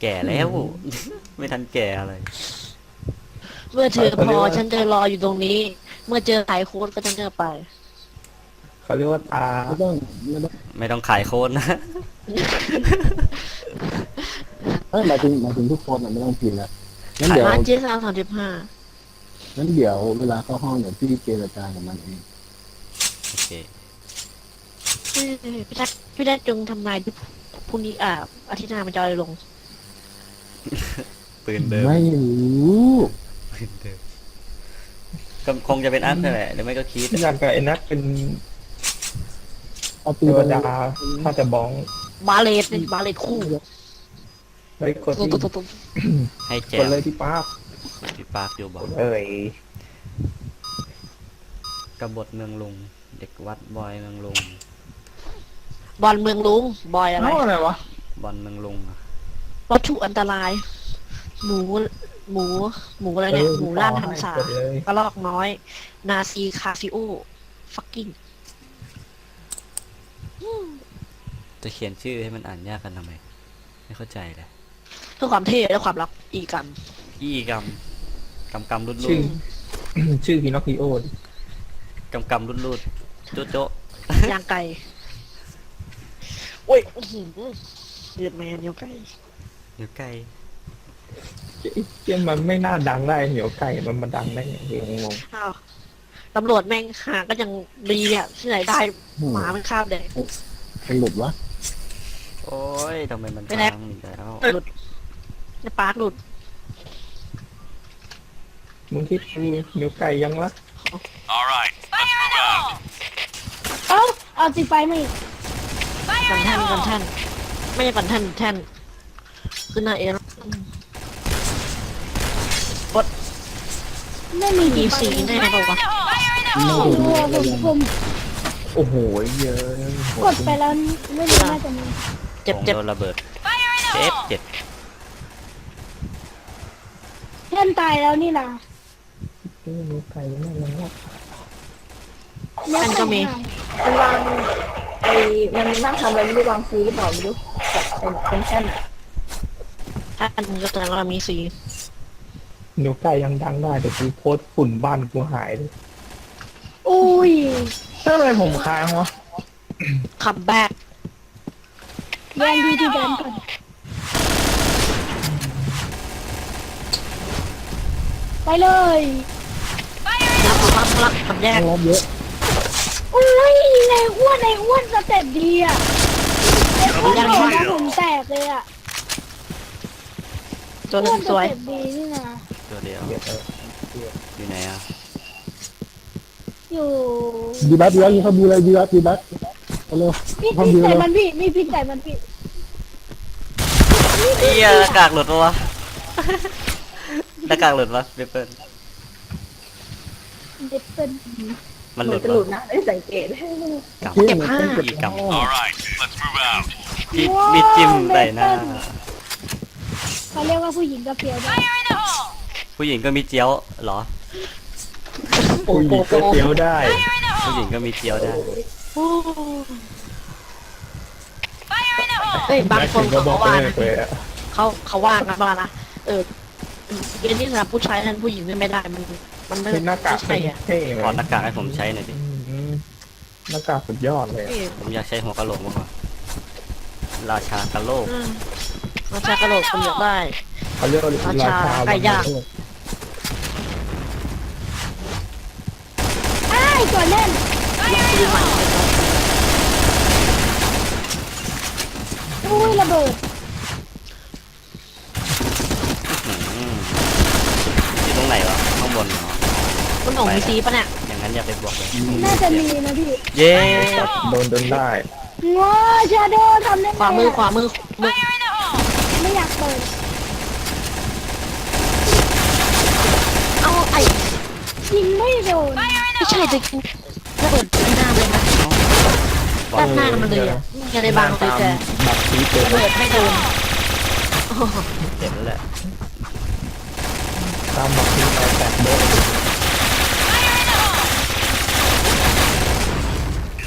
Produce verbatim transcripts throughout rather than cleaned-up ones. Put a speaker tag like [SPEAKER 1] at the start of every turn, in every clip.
[SPEAKER 1] แก่แล้ว ไม่ทันแก่อะไร
[SPEAKER 2] เมื่อเธอพอฉันจะรออยู่ตรงนี้ เมื่อเจอไขโค้ดก็ฉันจะไป
[SPEAKER 3] เขาเรียกว่าตา
[SPEAKER 4] ไม่ต้องไม่ต้อง
[SPEAKER 1] ไม่ต้องขายโค้ดนะ
[SPEAKER 4] เอ้ยหมายถึงหมายถึงทุกคนอ่ะไม่ต้องกินละงั้นเดี๋ยว
[SPEAKER 2] มาเจสามสามสิบห้า
[SPEAKER 4] งั้นเดี๋ยวเวลาเข้าห้องเดี๋ยวพี่เจรจากับมันเอง
[SPEAKER 1] โอเค
[SPEAKER 2] พี่แจ๊คพี่แจ๊คจงทำนายพรุ่งนี้อ่าอาทิตย์หน้ามันจะเอาอะไรลง
[SPEAKER 1] ปืนเดิม
[SPEAKER 4] ไม่รู้
[SPEAKER 1] ปืนเดิมก็คงจะเป็นอัพนั่นแหละหรือไม่ก็คิด
[SPEAKER 3] อยากกับไอ้นัทเป็น
[SPEAKER 4] เอา
[SPEAKER 3] เท
[SPEAKER 4] ปืน
[SPEAKER 3] ว
[SPEAKER 4] ไป
[SPEAKER 3] ดาถ้าจะบ้อง
[SPEAKER 2] บาเลตนี่บาเลตคู่
[SPEAKER 3] ไอ้กด
[SPEAKER 2] ตุ๊
[SPEAKER 3] ที่
[SPEAKER 2] บตุ๊บตุ๊บ
[SPEAKER 1] ให้แจ
[SPEAKER 3] กด
[SPEAKER 1] ม
[SPEAKER 3] เลยที่ป้าบ
[SPEAKER 1] พี่ปาร์คอยู่บอก
[SPEAKER 3] เอ้ย
[SPEAKER 1] กบฏเมืองลุง เด็กวัดบอยเมืองลุง
[SPEAKER 2] บอลเมืองลุงบอยอะไร
[SPEAKER 3] เอ้าอะไรวะ
[SPEAKER 1] บอลเมืองลุงอะ
[SPEAKER 2] วัตถุอันตราย หมู หมู หมูอะไรเนี่ย หมูล่านหันษาก
[SPEAKER 3] ดเลย
[SPEAKER 2] กระลอกน้อย นาซีคาซิโอ ฟักกิ้ง
[SPEAKER 1] จะเขียนชื่อให้มันอ่านยากกันทำไม ไม่เข้าใจเลย
[SPEAKER 2] เพื่อความเท่และความรักอีกกัน
[SPEAKER 1] อี้กำกำกำรุดรุ
[SPEAKER 3] ชื่อ
[SPEAKER 1] ด
[SPEAKER 3] ชื่อพินอคคิโอ
[SPEAKER 1] กำกำรุดรุดโจ๊ะโจ๊ะ
[SPEAKER 2] ย่างไก่โอ้ยอื้อหือเดือดแมนเดียวไก่
[SPEAKER 1] เดี๋ยวไก่
[SPEAKER 3] เจ้ยมันไม่น่าดังได้เหนียวไก่มันมาดังได้ไงเองงง
[SPEAKER 2] อ้าวตำรวจแม่งหาก็ยังดีเนี่ยที่ไหนได้หมามันคาบแดง
[SPEAKER 4] มันหลุดวะ
[SPEAKER 1] โอ้ยทำไมมัน
[SPEAKER 2] ไม่แน่
[SPEAKER 1] พังอีกแล้ว
[SPEAKER 2] หลุดในปาร์คหลุด
[SPEAKER 3] มึงคิดดูเหนียวไก่ยังละ
[SPEAKER 5] All right, let's move out.
[SPEAKER 6] เอ้าเอาสิไฟมาอีก
[SPEAKER 2] กันแท่นกันแท่นไม่ใช่กันแท่นแท่นขึ้นหน้าเอร
[SPEAKER 6] ไม่มี
[SPEAKER 2] มี
[SPEAKER 6] ไฟ
[SPEAKER 2] สีแน่เปล่าวะ
[SPEAKER 4] ไม่
[SPEAKER 6] ผม
[SPEAKER 4] รู้
[SPEAKER 6] ผมผม
[SPEAKER 3] โอ้โหเยอะ
[SPEAKER 6] กดไปแล้วไม่รู้น่าจะมี
[SPEAKER 2] เจ็บ
[SPEAKER 1] ผม
[SPEAKER 2] เจ็บ
[SPEAKER 1] โดนระเบิดเจ็บเจ็บ
[SPEAKER 6] เพื่อนตายแล้วนี่นะ
[SPEAKER 3] เหนียวไก่ยังไม่ยังละ
[SPEAKER 6] เนี่ย
[SPEAKER 2] อันก็มี
[SPEAKER 7] มันวางไอ้มันนั่งทำอะไรไม่รู้วางซีหรือเปล่าไม่รู้แบบเป็นเป็นแค่นอะ
[SPEAKER 2] ถ้าอันก็แสดงว่ามีสี
[SPEAKER 3] เหนียวไก่ยังดังได้แต่กูโพสต์ฝุ่นบ้านกูหายเลย
[SPEAKER 6] อุ้ย
[SPEAKER 3] ทำไมผมค้างวะ
[SPEAKER 2] คัมแบ็ก
[SPEAKER 6] แย่งที่ที่แดนก่อนไปเลย
[SPEAKER 2] รับรับรับคัมแยก
[SPEAKER 4] รอบเยอะ
[SPEAKER 6] อุ้ยในอ้วนในอ้วนสเต็ปดีอ่ะในอ้วนผมนะผมแตกเลยอ่ะ
[SPEAKER 2] ตัวห
[SPEAKER 6] อ้
[SPEAKER 2] นึ่
[SPEAKER 6] วน
[SPEAKER 2] ง
[SPEAKER 6] ส
[SPEAKER 2] สวย
[SPEAKER 6] เต็ปดีนี่นะ
[SPEAKER 1] ตัวเดียว
[SPEAKER 3] เดี๋ยวเออ
[SPEAKER 1] อยู่ไหนอ่ะ
[SPEAKER 6] อยู่
[SPEAKER 4] ดีบัสดีบัสเขาดูเลยดีบัสดีบัสเอาเร็ว
[SPEAKER 6] พี่
[SPEAKER 4] เขา
[SPEAKER 6] พี่
[SPEAKER 4] ดู
[SPEAKER 6] ใส่
[SPEAKER 4] เลย
[SPEAKER 6] มันพี่มีพี่ใส่มันพี่
[SPEAKER 1] เอียหน้ากากหลุดปะวะ หน้ากากหลุดปะเบเปิ้ล
[SPEAKER 6] เด็ดเป็น
[SPEAKER 1] มันห
[SPEAKER 7] เหมื
[SPEAKER 1] ลุ
[SPEAKER 7] อน
[SPEAKER 1] ด
[SPEAKER 7] จะ
[SPEAKER 1] ปะ
[SPEAKER 7] หลุดนะได้สังเกต
[SPEAKER 1] กำ
[SPEAKER 2] เก็บผ้า
[SPEAKER 1] อีกกำ
[SPEAKER 5] All right, let's move out.
[SPEAKER 1] มีมีจิ้มใส่หน้า
[SPEAKER 6] เขาเรียกว่าผู้หญิงกระเปียวได้
[SPEAKER 1] ผู้หญิงก็มีเจียวเหรอ
[SPEAKER 3] โอ้ยก็เตียวได้
[SPEAKER 1] ผู้หญิงก็มีเจียวได้
[SPEAKER 2] เอ้ยบางคน
[SPEAKER 3] ก็
[SPEAKER 2] เขา
[SPEAKER 3] บ
[SPEAKER 2] ก็
[SPEAKER 3] อก
[SPEAKER 2] ว่า
[SPEAKER 3] เล
[SPEAKER 2] นะ
[SPEAKER 3] ยเลยอะ
[SPEAKER 2] เขาเขาว่ากันว่านะเออเกณฑ์ที่สำหรับผู้ชายนั้นผู้หญิงไม่ได้มันมันไม่
[SPEAKER 3] เป็นหน้ากาก
[SPEAKER 2] ไม่ใช่อ่ะ
[SPEAKER 3] เท่ไหม
[SPEAKER 1] ขอหน้ากากให้ผมใช้หน่อยดิ
[SPEAKER 3] อืมหน้ากากสุดยอดเลยอะ
[SPEAKER 2] นี่
[SPEAKER 1] ผมอยากใช้หัวกะโหลกมากกว่าราชากะโหลก
[SPEAKER 2] อืมราชากระโหลกคนเดียวได้
[SPEAKER 3] เขาเรียกว่ารา
[SPEAKER 2] ราชา
[SPEAKER 3] ชา
[SPEAKER 2] ไก่ย่าง
[SPEAKER 6] ไอ้ายตัวแน่น
[SPEAKER 2] ดีใหม่
[SPEAKER 6] อุ้ยระเบิด
[SPEAKER 1] อืมอยู่ตรงไหนวะข้างบนเหรอ
[SPEAKER 2] มันหนองมีซีปะเนี่ย
[SPEAKER 1] อย่างนั้นอย่าไปบวกเลย
[SPEAKER 6] น่าจะมีนะพี่
[SPEAKER 1] เย้
[SPEAKER 3] โดนจนได้
[SPEAKER 6] ง้อชาโดทำได้ไง
[SPEAKER 2] ขวามือขวามือมือ
[SPEAKER 6] ไม่อยากเปิด
[SPEAKER 2] เอาไอ้
[SPEAKER 6] ยิงไม่โดน
[SPEAKER 2] ไม่ใช่จะกินระเบิดที่หน้าเลยนะด้านหน้ามันเลยอ่ะยังได้บางเลยแต่
[SPEAKER 3] บัตรซีเต็ม
[SPEAKER 2] ระเบิดไม่โดนโอ้โห
[SPEAKER 1] เจ็บแล้วแหละ
[SPEAKER 3] ตามบัตรซีไปแตกโดน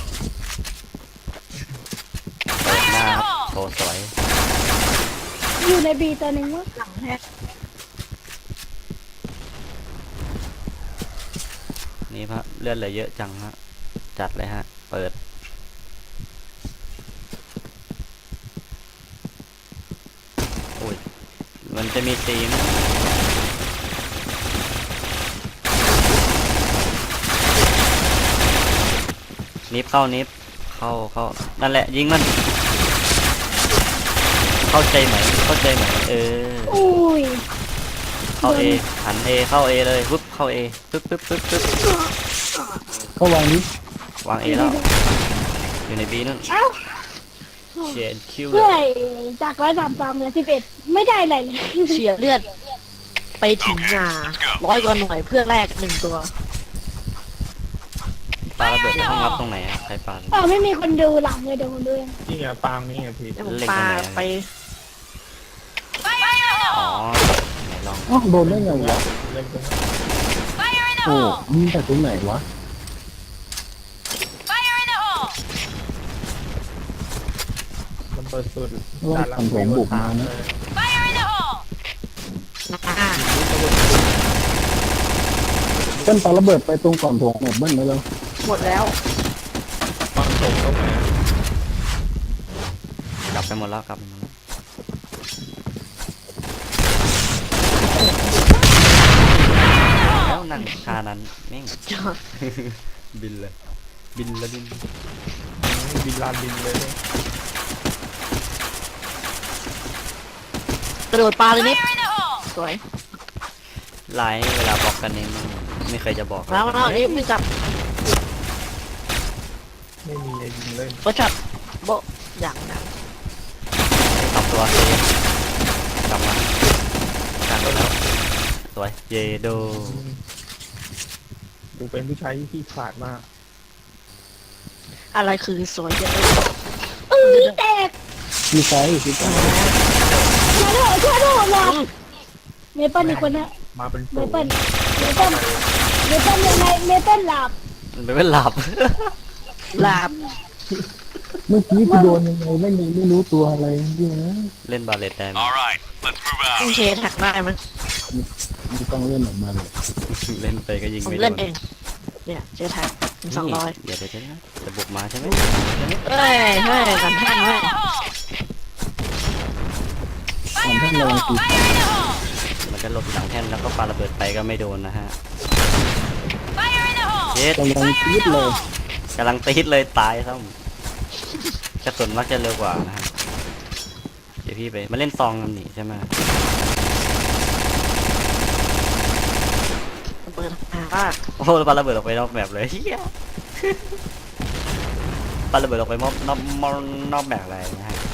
[SPEAKER 1] เปิดหน้าครับโชว์สวย
[SPEAKER 6] ยิอยู่ในบีตัวหนึ่งมั้ง
[SPEAKER 2] หลังแฮก
[SPEAKER 1] นี่พระเลือดเหลือเยอะจังฮะจัดเลยฮะ เปิดโอ้ยมันจะมีตีมนิฟเข้านิฟเข้าเข้านั่นแหละยิงมัน เข้าใจไหมเข้าใจไหมเออ
[SPEAKER 6] อุ้ย
[SPEAKER 1] เข้าเอหันเอเข้าเอเลยปึ๊บเข้าเอปึ๊บปึ๊บปึ๊บปึ๊บ
[SPEAKER 4] เข้าวางนี้
[SPEAKER 1] วางเอแล้วอยู่ในบีนั่น
[SPEAKER 6] เอ้า
[SPEAKER 1] เชียนคิวเล
[SPEAKER 6] เพื่อย จากร้อยสามสามเหลือสิบเอ็ดไม่ได้อะไรเลย
[SPEAKER 2] เสียเลือด ไปถึงหนาร้อยกว่าหน่วยเพื่อแรกหนึ่งตัว
[SPEAKER 1] ปาระเบิดในห้องรับตรงไหนอะใครปา
[SPEAKER 6] เออไม่มีคนดูหลังเลยเดี๋ยวคนดูเอง
[SPEAKER 3] นี่ไงปางนี่ไงพี่
[SPEAKER 2] แล้วผมปาไป
[SPEAKER 1] อ๋อไหนลอง
[SPEAKER 4] อ้าวโดนได้ไงวะ
[SPEAKER 3] เล่นตรง
[SPEAKER 4] โอ้ยิงแต่ตรงไหนวะ
[SPEAKER 3] มันเปิดสุด
[SPEAKER 4] ว่าทำผมบุกมานะ
[SPEAKER 2] อ่า
[SPEAKER 4] เส้นปาระเบิดไปตรงก่อนโถงหมดเบิ้ลไปแล้ว
[SPEAKER 2] หมดแล้ว
[SPEAKER 3] ปางตกตรงไหน
[SPEAKER 1] กลับไปหมดแล้วกลับไปหมดแล้วแล้วนั่งคานั้นแม่ง บินเลย บินแล้วบิน
[SPEAKER 3] บินลานบินเลย
[SPEAKER 2] กระโดดปลาเลยนิดสวย
[SPEAKER 1] ไลน์เวลาบอกกันเองไม่เคยจะบอก
[SPEAKER 2] แล้วแล้วนี่ไม่จับ
[SPEAKER 3] ไม่มีอะไรยิงเลย
[SPEAKER 2] ก็จับโบะอย่างนั้น
[SPEAKER 1] ทำตัวเซฟกลับมากันแล้วสวยเยโด
[SPEAKER 3] ดูเป็นผู้ชายที่ขี้ขลาดมาก
[SPEAKER 2] อะไรคือสวยเยอะ
[SPEAKER 6] เออแตก
[SPEAKER 4] มีไฟมีไฟ
[SPEAKER 6] ช่วยด้วยช่วยด้วยหลับเมเปิลอีกคนนะ
[SPEAKER 3] มาเป็น
[SPEAKER 6] เม
[SPEAKER 3] ฝูง
[SPEAKER 6] เปิลเมเปิลเมเปิลยังไงเมเปิลหลับ
[SPEAKER 1] มันไม่เป็นหลับ
[SPEAKER 2] ลาบ
[SPEAKER 4] เมื่อกี้ที่โดนยังไงไม่มีไม่รู้ตัวอะไรนี่นะ
[SPEAKER 1] เล่นบาเลตได้ไหม
[SPEAKER 5] All right, let's move
[SPEAKER 2] ต้อง
[SPEAKER 5] out.
[SPEAKER 2] เชแท็กได้ไหม
[SPEAKER 4] ไม่ต้องเล่นออกมาเลย
[SPEAKER 1] เล่นไปก็ยิง
[SPEAKER 2] ผม
[SPEAKER 1] ไม่โด
[SPEAKER 2] เล่น
[SPEAKER 1] น
[SPEAKER 2] เอง เนี่ยเชแท็กสองร้อย
[SPEAKER 1] เดี๋ยวเดี๋ยวเดี๋ยวนะจะบุกมาใช่ไหม
[SPEAKER 2] เอ้ยเฮ้ยกันแท่งเว้ย
[SPEAKER 4] ทำให้ระวังตี
[SPEAKER 1] มันจะหลบหลังแท่นแล้วก็ปาระเบิดไปก็ไม่โดนนะฮะเย็ด
[SPEAKER 4] กำลังคิดเลย
[SPEAKER 1] กำลังตีดเลยตายซ้ำกระสุนมักจะเร็วกว่านะฮะเดี๋ยวพี่ไปมาเล่นซองกันนี่ใช่ไหม
[SPEAKER 2] เปิดหาว่า
[SPEAKER 1] โอ้โหปาระเบิดออกไปนอกแบบเลยเฮียปาระเบิดออกไปมอบนอกมอบนอกแบบอะไรนะฮะ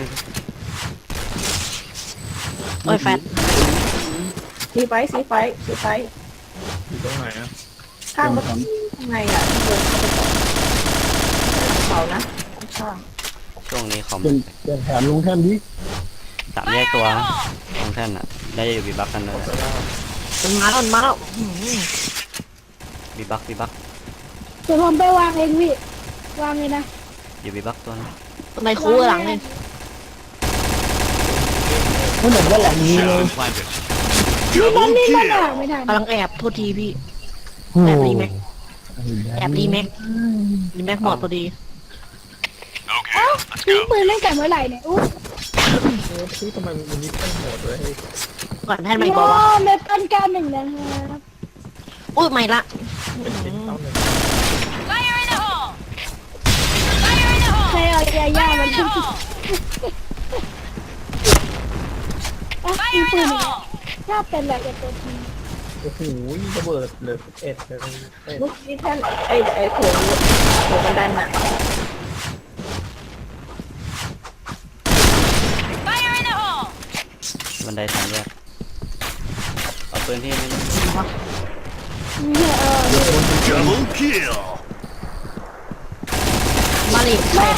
[SPEAKER 2] โอ้ยแฟน
[SPEAKER 7] สีไฟสีไฟสีไฟ
[SPEAKER 3] อยู่ตรงไหนอะ
[SPEAKER 7] ข้างข้างในอ่ะเดินเข้าไปก่อนเสานะข้าง
[SPEAKER 1] ช่วงนี้คอม
[SPEAKER 4] เป็นเป็นแถมลงแท่นดิ
[SPEAKER 1] สามแยกตัวตรงแท่นอ่ะได้อยู่บีบักกันเลย
[SPEAKER 2] มันมาแล้วมันมาแล้วอื้อหือ
[SPEAKER 1] บีบักบีบัก
[SPEAKER 6] เดี๋ยวผมไปวางเองพี่วางเลยนะ
[SPEAKER 1] อยู่บีบักตัวนึง
[SPEAKER 2] ทำไมคูหลังนี่
[SPEAKER 4] ไม่เหมือนว่าหลังนี้เลย
[SPEAKER 5] Shadow planted.
[SPEAKER 6] นี่มัน
[SPEAKER 5] Double
[SPEAKER 6] นี่มัน
[SPEAKER 5] kill.
[SPEAKER 6] อ่ะไม่ทัน
[SPEAKER 2] กำลังแอบโทษทีพี่
[SPEAKER 4] โอ้
[SPEAKER 2] แอบ
[SPEAKER 4] โห
[SPEAKER 2] รีแม็ก แอบรีแม็กรีแม็กหมดพอดี
[SPEAKER 5] Okay,
[SPEAKER 6] เอ้า
[SPEAKER 5] let's
[SPEAKER 6] ทิ้ง
[SPEAKER 5] go.
[SPEAKER 6] ปืนเล่นแต่เมื่อไหร่เนี่ยอู้
[SPEAKER 3] เออพี่ทำไมมันนิดเป็นโหดเลย
[SPEAKER 2] ก่อนแท่นไม่บอกว่า
[SPEAKER 6] เมเปิลเก้าหนึ่งนะครับ
[SPEAKER 2] อุ้ยไม่ละ
[SPEAKER 3] เป็นชิ้นเท่าหนึ่ง
[SPEAKER 6] ใครเอายาย่ามันขึ้นอ่ะทิ้งปืนอีกแล้วชอบเป็นแบบตัวที
[SPEAKER 3] โอ้โหระเบิดเหลือสิบเอ็ดเลยเอ็ด
[SPEAKER 7] เมื่อกี้แท่นไอ้ไอ้โถงโถงบันไดน่ะ
[SPEAKER 1] บันไดสามแยกเอาปืนพี่ไม่ได้
[SPEAKER 6] เนี่ยเออ
[SPEAKER 5] Double kill.
[SPEAKER 2] มาลิใครนะ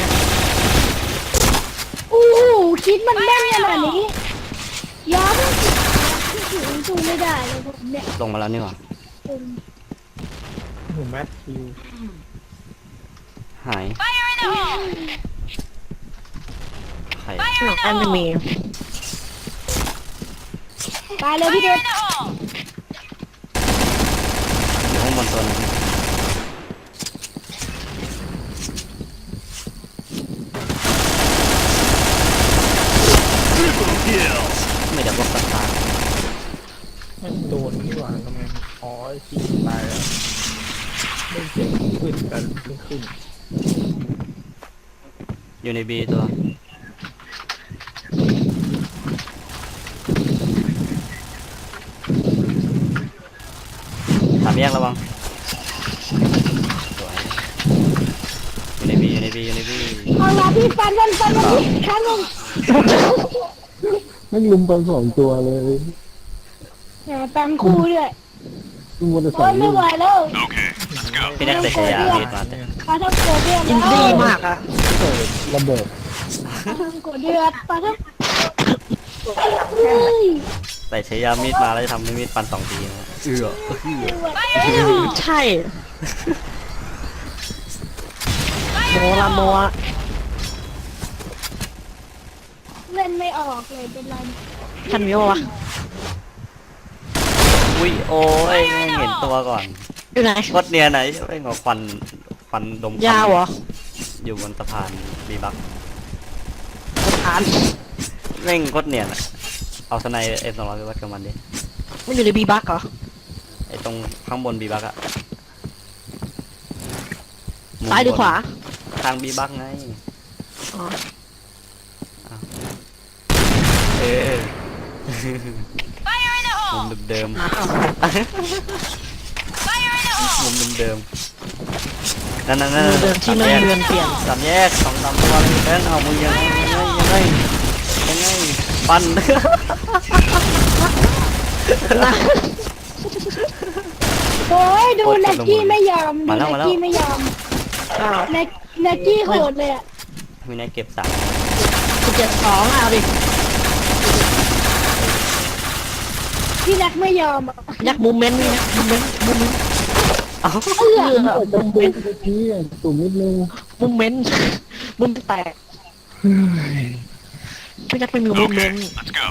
[SPEAKER 6] อู้คิดมันแม่นขนาดนี้ย้อนถึงสู้ไม่ได้เลยผมเนี่ย
[SPEAKER 1] ลงมาแล้วนี่หว่า
[SPEAKER 6] อืม
[SPEAKER 3] โอ้โหแมทคิว
[SPEAKER 1] หายใคร
[SPEAKER 2] หนังแอนไม่มี
[SPEAKER 6] ตายเลยพี่เด็ก
[SPEAKER 1] อยู่ข้างบนตัวนึง
[SPEAKER 5] Kill.
[SPEAKER 1] ไม่ได้พวกสตาร์
[SPEAKER 3] มันโดนนี่หว่าทำไมอ๋อจริงตายแล้วไม่เจ็บขึ้นกันไม่ขึ้น
[SPEAKER 1] อยู่ในบีตัวสามแยกระวังสวยอยู่ในบีอยู่ในบีอยู่ในบี
[SPEAKER 6] เอาละพี่ฟันมันฟันมันพี่ครั้งหนึง
[SPEAKER 4] แม่งลุมไปสองตัวเลย
[SPEAKER 6] แหมตังคู่ด้วย
[SPEAKER 4] ลุมวันละส
[SPEAKER 6] โอ้
[SPEAKER 4] อง
[SPEAKER 6] ย
[SPEAKER 4] ลู
[SPEAKER 6] ไม่
[SPEAKER 4] ก
[SPEAKER 6] ไหวแล้ว
[SPEAKER 5] Okay, let's go.
[SPEAKER 1] พี่แน็กใส่ฉายาบีดมาแต่
[SPEAKER 6] ปลาทับโกเดือด
[SPEAKER 2] อินดี้มากอ่ะ
[SPEAKER 4] เปิดระเบิด
[SPEAKER 6] ปลาทับโกเดือดปลาทับเฮ้ย
[SPEAKER 1] ใส่ฉายามีดมาแล้วจะทำให้มีดฟันสองทีนะเอือเอือ
[SPEAKER 2] ใช่โมละโมอะ
[SPEAKER 6] เล่นไม่ออกเลยเป็นไร
[SPEAKER 2] ทันวิววะ
[SPEAKER 1] อุ้ยโอ้ยแม่งเห็นตัวก่อน
[SPEAKER 2] อยู่ไหน
[SPEAKER 1] โคตรเนียนไหนไม่งเอาควันควันดมควัน
[SPEAKER 2] ยาวเหรอ
[SPEAKER 1] อยู่บนสะพานบีบัก
[SPEAKER 2] สถาน
[SPEAKER 1] แม่งโคตรเนียนอะเอาสไนเอ็มสองร้อยไปวัดกับมันดิ
[SPEAKER 2] มันอยู่ในบีบักเหรอ
[SPEAKER 1] ไอตรงข้างบนบีบักอะมุม
[SPEAKER 2] ซ้ายหรือบ
[SPEAKER 1] น
[SPEAKER 2] ขวา
[SPEAKER 1] ทางบีบักไง
[SPEAKER 2] อ๋อ
[SPEAKER 1] เออมุมเดิม
[SPEAKER 2] อ้าว
[SPEAKER 1] ๆมุมเดิมๆนั่นนั่นนั่น
[SPEAKER 2] มือเดินที่ไม่เรือนเปลี่ยน
[SPEAKER 1] สามแยกสองสามตัวเลยเดินเอามือยังไงยังไงยังไงยังไงปั้น
[SPEAKER 6] โอ้ยดูแน็กกี้ไม่ยอมดู
[SPEAKER 1] มาแล้
[SPEAKER 6] แน็
[SPEAKER 1] ว
[SPEAKER 6] ก
[SPEAKER 1] มาแล้ว
[SPEAKER 6] กี้ไม่ยอม
[SPEAKER 2] อ้าว
[SPEAKER 6] แน็กแน็กกี้โหดเลยอ่ะ
[SPEAKER 1] มีนายเก็บสาม
[SPEAKER 2] สิบเจ็ดสองเอาดิ
[SPEAKER 6] พี่แน็กไม่ยอมอะ
[SPEAKER 2] ยักมูเมนต์นี่นะมูเมนต์มูเมนต์
[SPEAKER 1] เอ้า
[SPEAKER 6] เอื้อ
[SPEAKER 2] เออ
[SPEAKER 4] แต่จำเป็นเมื่อกี้อ่ะตุ่มนิดนึง
[SPEAKER 2] มูเมนต์มุมแตกพี่นักไม่มีมูเมนต์
[SPEAKER 5] Let's go.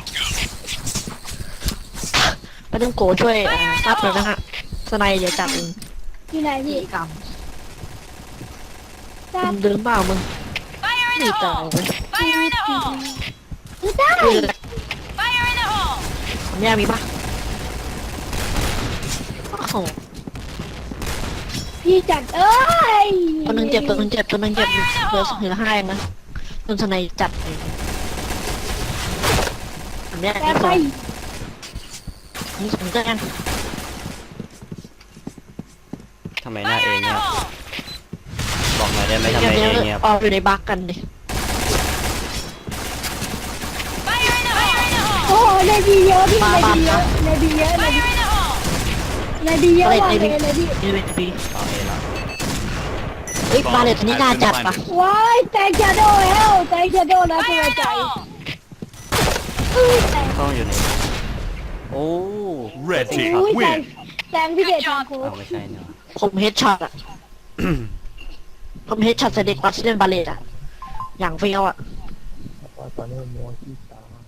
[SPEAKER 2] ไปต้องโกช่วยรับเลยนะฮะสไนเดี๋ยวจับเอง
[SPEAKER 6] ที่ไหนพี่
[SPEAKER 2] กรรม
[SPEAKER 6] ทราบ
[SPEAKER 2] มึงเดินเปล่ามึงไม่ตายเลย
[SPEAKER 6] คือได้
[SPEAKER 2] เออผมแย่มีปะโอ้โห
[SPEAKER 6] พี่จัดเอ้ย
[SPEAKER 2] ตัวหนึงเจ็บตัวหนึงเจ็บตัวหนึงเจ็บเหลือเหลือห้าเองนะจนสไนจัดเลยผมแย่
[SPEAKER 6] แต่
[SPEAKER 2] มี
[SPEAKER 6] ไป
[SPEAKER 2] สองมีสองแจ้ง
[SPEAKER 1] ทำไมหน้าเองเนี่ยบอกหน่อยได้ไหมทำไม
[SPEAKER 2] เดี๋ยว
[SPEAKER 1] เอง
[SPEAKER 2] เดี๋
[SPEAKER 1] เนี่ย
[SPEAKER 2] ยวออกอยู่ในบักกันดิ
[SPEAKER 6] โอ้ในบีเยอะพี่ในบีเยอะในบีเยอะในบีในบีเยอะว่ะในในบี
[SPEAKER 2] นี่เป็นปี
[SPEAKER 1] เอาเองละ
[SPEAKER 2] เฮ้ยบาเลตตัวนี้น่าจัดปะ
[SPEAKER 6] ว้ายแตงชาโดเฮลแตงชาโดนะตัวใจเอ้ยแตง
[SPEAKER 1] ต้องอยู่ในโอ้
[SPEAKER 5] Red
[SPEAKER 1] สิ
[SPEAKER 5] team
[SPEAKER 1] ครับ
[SPEAKER 6] อุ้ยแตง
[SPEAKER 5] win.
[SPEAKER 6] แตงพี่เดชทางโค้
[SPEAKER 1] เอาไม่ใช่เนี่ย
[SPEAKER 2] ผมเฮดช็อตอะผมเฮดช็อตใส่เด็กวัดที่เล่นบาเลตอะอย่างเฟี้ยวอะ
[SPEAKER 3] ว่าตอนนี้มัวที่ตา